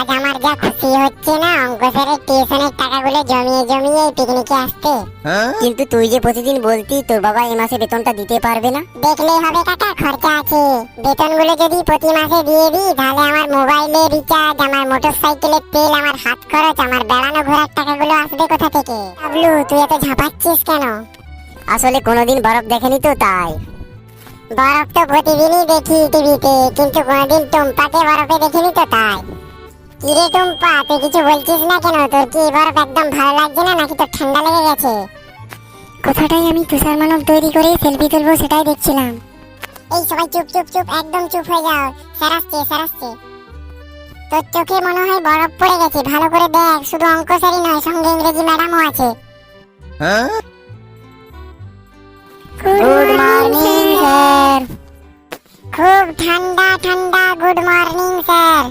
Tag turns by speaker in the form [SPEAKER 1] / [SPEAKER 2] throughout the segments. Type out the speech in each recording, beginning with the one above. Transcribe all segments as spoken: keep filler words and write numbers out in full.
[SPEAKER 1] আজ আমার যা খুশি হচ্ছে না অঙ্ক স্যারের টিউশনের টাকাগুলো জমিয়ে জমিয়ে এই পিকনিকে আসতে।
[SPEAKER 2] কিন্তু তুই যে প্রতিদিন বলতি তোর বাবা এই মাসে বেতনটা দিতে পারবে না।
[SPEAKER 1] দেখলেই হবে কাকা, খরচা আছে। বেতনগুলো যদি প্রতি মাসে দিয়ে দিই তাহলে আমার মোবাইলে রিচার্জ, আমার মোটরসাইকেলের তেল, আমার হাত খরচ, আমার বেড়ানো ঘোরার টাকাগুলো আসবে কোথা থেকে? বাবলু, তুই এত ঝাঁপাচ্ছিস কেন?
[SPEAKER 2] আসলে কোনোদিন বরফ দেখেনি তো তাই।
[SPEAKER 1] বরফ তো প্রতিদিনই দেখি টিভিতে, কিন্তু কোনোদিন টুম্পাকে বরফে দেখিনি তো তাই। কিরে টুম্পা, তুই কিছু বলছিস না কেন? তোর কি এই বরফ একদম ভালো লাগছে না, নাকি তোর ঠান্ডা লেগে গেছে?
[SPEAKER 3] কোথাটাই আমি তুষার মানব তৈরি করে সেলফি তুলবো সেটাই দেখছিলাম।
[SPEAKER 1] এই সবাই চুপ চুপ চুপ, একদম চুপ হয়ে যাও। স্যার আসছে, স্যার আসছে। তোর চোখে মনে হয় বরফ পড়ে গেছে, ভালো করে দেখ। শুধু অঙ্ক স্যারই নয়, সঙ্গে ইংরেজি ম্যাডামও আছে।
[SPEAKER 2] Good morning sir.
[SPEAKER 1] খুব ঠান্ডা ঠান্ডা গুড মর্নিং স্যার।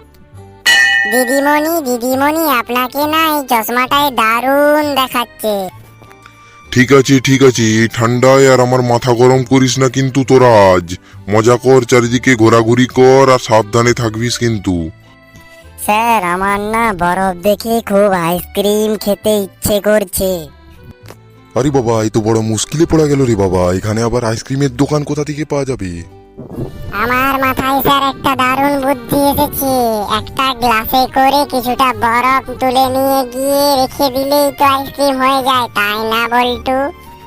[SPEAKER 2] দিদিমণি দিদিমণি আপনাকে না এই চশমাটায় দারুণ দেখাচ্ছে।
[SPEAKER 4] ঠিক আছে ঠিক আছে, এই ঠান্ডায় আর আমার মাথা গরম করিস না কিন্তু তোরা। আজ মজা কর, চারিদিকে ঘোরাঘুরি কর আর সাবধানে থাকবিস কিন্তু।
[SPEAKER 2] স্যার আমার না বরফ দেখে খুব আইসক্রিম খেতে ইচ্ছে করছে।
[SPEAKER 4] আরে বাবা, এই তো বড় মুশকিলে পড়া গেল রে বাবা। এখানে আবার আইসক্রিমের দোকান কোথা থেকে পাওয়া যাবে?
[SPEAKER 1] আমার মাথায় স্যার একটা দারুণ বুদ্ধি এসেছে। একটা গ্লাসে করে কিছুটা বরফ তুলে নিয়ে গিয়ে রেখে দিলেই তো আইসক্রিম হয়ে যায়, তাই না বল্টু?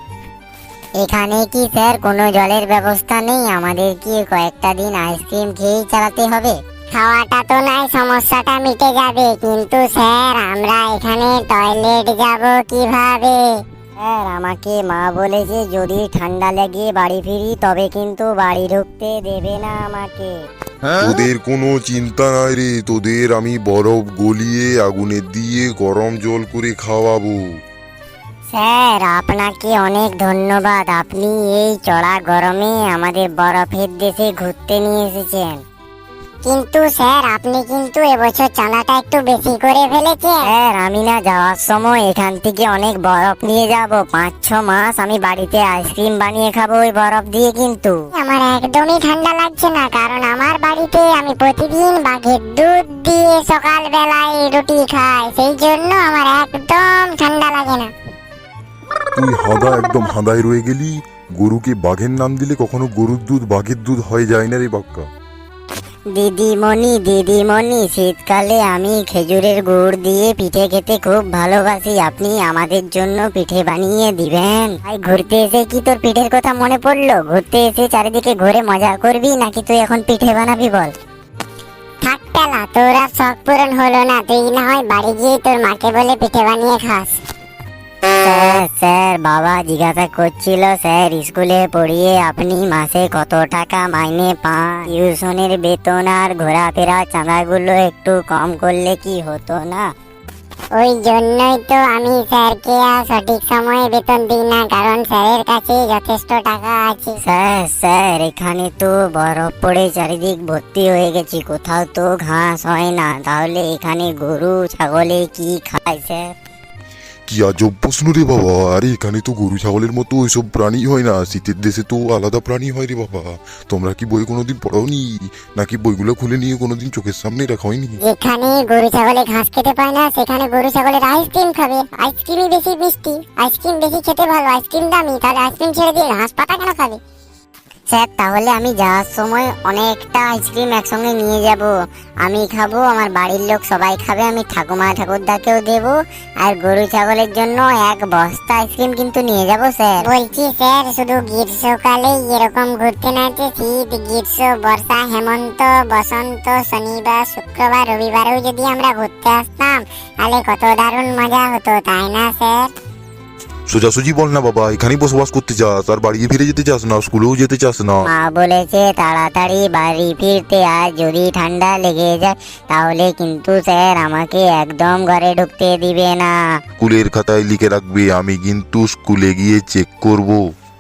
[SPEAKER 2] এখানে কি স্যার কোনো জলের ব্যবস্থা নেই? আমাদের কি কয়েকটা দিন আইসক্রিম খেয়েই চালাতে হবে?
[SPEAKER 1] খাওয়াটা তো নাই, সমস্যাটা মিটে যাবে, কিন্তু স্যার আমরা এখানে টয়লেট যাব কিভাবে?
[SPEAKER 2] স্যার আমাকে মা বলেছে যদি ঠান্ডা লেগে বাড়ি ফিরি তবে কিন্তু বাড়ি ঢুকতে দেবে না আমাকে।
[SPEAKER 4] তোদের কোনো চিন্তা নাই রে, তোদের আমি বরফ গলিয়ে আগুনে দিয়ে গরম জল করে খাওয়াবো।
[SPEAKER 2] স্যার আপনাকে অনেক ধন্যবাদ, আপনি এই চড়া গরমে আমাদের বরফের দেশে ঘুরতে নিয়ে এসেছেন।
[SPEAKER 1] কিন্তু স্যার আপনি কিন্তু এবছর চাঁদাটা একটু বেশি করে ফেলেছেন।
[SPEAKER 2] স্যার আমি না যাওয়ার সময় এখান থেকে অনেক বরফ নিয়ে যাব, পাঁচ ছ মাস আমি বাড়িতে আইসক্রিম বানিয়ে খাবো ওই বরফ দিয়ে। কিন্তু
[SPEAKER 1] আমার একদমই ঠান্ডা লাগছে না, কারণ আমার বাড়িতে আমি প্রতিদিন বাঘের দুধ দিয়ে সকাল বেলায় রুটি খাই, সেই জন্য আমার একদম ঠান্ডা লাগে না।
[SPEAKER 4] তুই হাঁদা, একদম হাঁদায় রয়ে গেলি। গরুকে বাঘের নাম দিলে কখনো গরুর দুধ বাঘের দুধ হয়ে যায় না রে বাক্কা।
[SPEAKER 2] দিদিমণি দিদিমণি শীতকালে আমি খেজুরের গুড় দিয়ে পিঠে খেতে খুব ভালোবাসি, আপনি আমাদের জন্য পিঠে বানিয়ে দিবেন? ভাই ঘুরতে এসে কি তোর পিঠের কথা মনে পড়লো? ঘুরতে এসে চারিদিকে ঘুরে মজা করবি নাকি তুই এখন পিঠে বানাবি বল?
[SPEAKER 1] থাক পেলা, তোর আর শখ পূরণ হলো না। তুই না হয় বাড়ি গিয়ে তোর মাকে বলে পিঠে বানিয়ে খাস।
[SPEAKER 2] স্যার স্যার বাবা জিজ্ঞাসা করছিল স্যার স্কুলে পড়িয়ে আপনি মাসে কত টাকা মাইনে পান? টিউশনের বেতন আর ঘোরাফেরা চাঁদাগুলো একটু কম করলে কি হতো না?
[SPEAKER 1] ওই জন্যই তো আমি স্যারকে আর সঠিক সময়ে বেতন দিই না, কারণ স্যারের কাছে যথেষ্ট টাকা আছে।
[SPEAKER 2] স্যার স্যার এখানে তো বরফ পড়ে চারিদিক ভর্তি হয়ে গেছি, কোথাও তো ঘাস হয় না, তাহলে এখানে গরু ছাগলে কি খায় স্যার?
[SPEAKER 4] কি আজব প্রশ্ন রে বাবা। আরে এখানে তো গরু ছাগলের মতো ওইসব প্রাণী হয় না, শীতের দেশে তো আলাদা প্রাণী হয় রে বাবা। তোমরা কি বই কোনোদিন পড়োনি? নাকি বইগুলো খুলে নিয়ে কোনোদিন চোখের সামনে রাখা হয়নি?
[SPEAKER 1] যেখানে গরু ছাগলে ঘাস খেতে পায় না সেখানে গরু ছাগলের আইসক্রিম খাবে। আইসক্রিমই বেশি মিষ্টি, আইসক্রিম বেশি খেতে ভালো, আইসক্রিম দামি, তাহলে আইসক্রিম ছেড়ে দিয়ে ঘাস পাতা কেন খাবে?
[SPEAKER 2] স্যার তাহলে আমি যাওয়ার সময় অনেকটা আইসক্রিম একসঙ্গে নিয়ে যাব। আমি খাবো, আমার বাড়ির লোক সবাই খাবে, আমি ঠাকুমা ঠাকুরদাকেও দেবো, আর গরু ছাগলের জন্য এক বস্তা আইসক্রিম কিন্তু নিয়ে যাব স্যার।
[SPEAKER 1] বলছি স্যার, শুধু গ্রীষ্মকালে এরকম ঘুরতে না যে শীত গ্রীষ্ম বর্ষা হেমন্ত বসন্ত শনিবার শুক্রবার রবিবারেও যদি আমরা ঘুরতে আসতাম তাহলে কত দারুণ মজা হতো, তাই না স্যার?
[SPEAKER 4] সোজাসুজি বল না বাবা, এখানেই বসবাস করতে চাস আর বাড়ি ফিরে যেতে চাস না, স্কুলেও যেতে চাস না?
[SPEAKER 2] মা বলেছে তাড়াতাড়ি বাড়ি ফিরতে, আর যদি ঠান্ডা লেগে যায় তাহলে কিন্তু স্যার আমাকে একদম ঘরে ঢুকতে দিবে না।
[SPEAKER 4] স্কুলের খাতায় লিখে রাখবে, আমি কিন্তু স্কুলে গিয়ে চেক করব।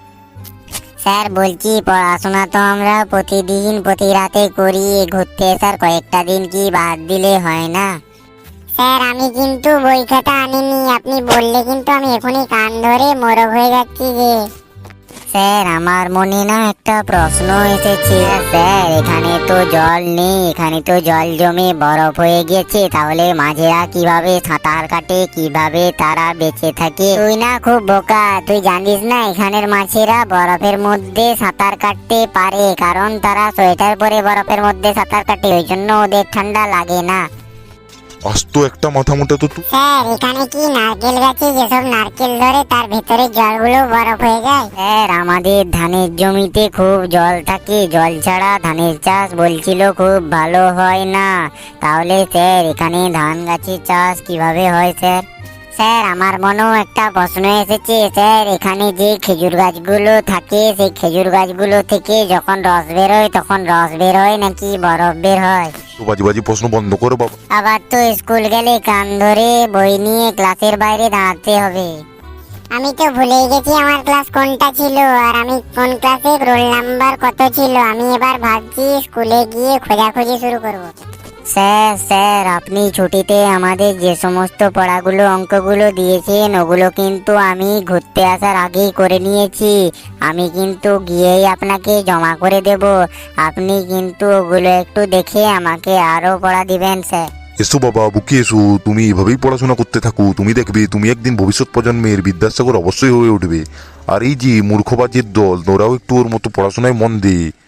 [SPEAKER 2] স্যার বলছি পড়াশোনা তো আমরা প্রতিদিন প্রতি রাতে করি, ঘুরতে স্যার কয়েকটা দিন কি বাদ দিলে হয় না?
[SPEAKER 1] স্যার আমি কিন্তু বই খাতা আনিনি, আপনি বললে কিন্তু আমি এখনই কান ধরে মোরগ হয়ে যাচ্ছি যে।
[SPEAKER 2] স্যার আমার মনে না একটা প্রশ্ন এসেছে। স্যার এখানে তো জল নেই, এখানে তো জল জমে বরফ হয়ে গেছে, তাহলে মাঝেরা কিভাবে সাঁতার কাটে, কিভাবে তারা বেঁচে থাকে? তুই না খুব বোকা, তুই জানিস না এখানের মাছেরা বরফের মধ্যে সাঁতার কাটতে পারে, কারণ তারা সোয়েটার পরে বরফের মধ্যে সাঁতার কাটে, ওই জন্য ওদের ঠান্ডা লাগে না।
[SPEAKER 4] আস্ত একটা মাথা মোটা তো তুই।
[SPEAKER 1] স্যার এখানে কি নারকেল গাছে যেসব নারকেল ধরে তার ভেতরে জলগুলো বরফ হয়ে যায়?
[SPEAKER 2] স্যার আমাদের ধানের জমিতে খুব জল থাকে, জল ছাড়া ধানের চাষ বলছিল খুব ভালো হয় না। তাহলে স্যার এখানে ধান গাছের চাষ কিভাবে হয় স্যার? স্যার আমার মনেও একটা প্রশ্ন এসেছে। স্যার এখানে যে খেজুর গাছগুলো থাকে সেই খেজুর গাছগুলো থেকে যখন রস বের হয় তখন রস বের হয় নাকি বরফ বের হয়?
[SPEAKER 4] তো বাজি বাজি প্রশ্ন বন্ধ করো বাবা।
[SPEAKER 2] আবার তো স্কুল গেলে কান ধরে বই নিয়ে ক্লাসের বাইরে দাঁড়াতে হবে।
[SPEAKER 1] আমি তো ভুলেই গেছি আমার ক্লাস কোনটা ছিল আর আমি কোন ক্লাসে রোল নাম্বার কত ছিল। আমি এবার ভাবছি স্কুলে গিয়ে খোঁজাখুঁজি শুরু করব।
[SPEAKER 2] স্যার স্যার আপনি ছুটিতে আমাদের যে সমস্ত পড়াগুলো অঙ্কগুলো দিয়েছেন ওগুলো কিন্তু আমি ঘুরতে আসার আগেই করে নিয়েছি। আমি কিন্তু গিয়েই আপনাকে জমা করে দেব, আপনি কিন্তু ওগুলো একটু দেখে আমাকে আরো পড়া দিবেন স্যার।
[SPEAKER 4] এসো বাবা বুকে এসো, তুমি এভাবেই পড়াশোনা করতে থাকো, তুমি দেখবে তুমি একদিন ভবিষ্যৎ প্রজন্মের বিদ্যাসাগর অবশ্যই হয়ে উঠবে। আর এই যে মূর্খবাজির দল, তোরাও একটু ওর মতো পড়াশোনায় মন দে।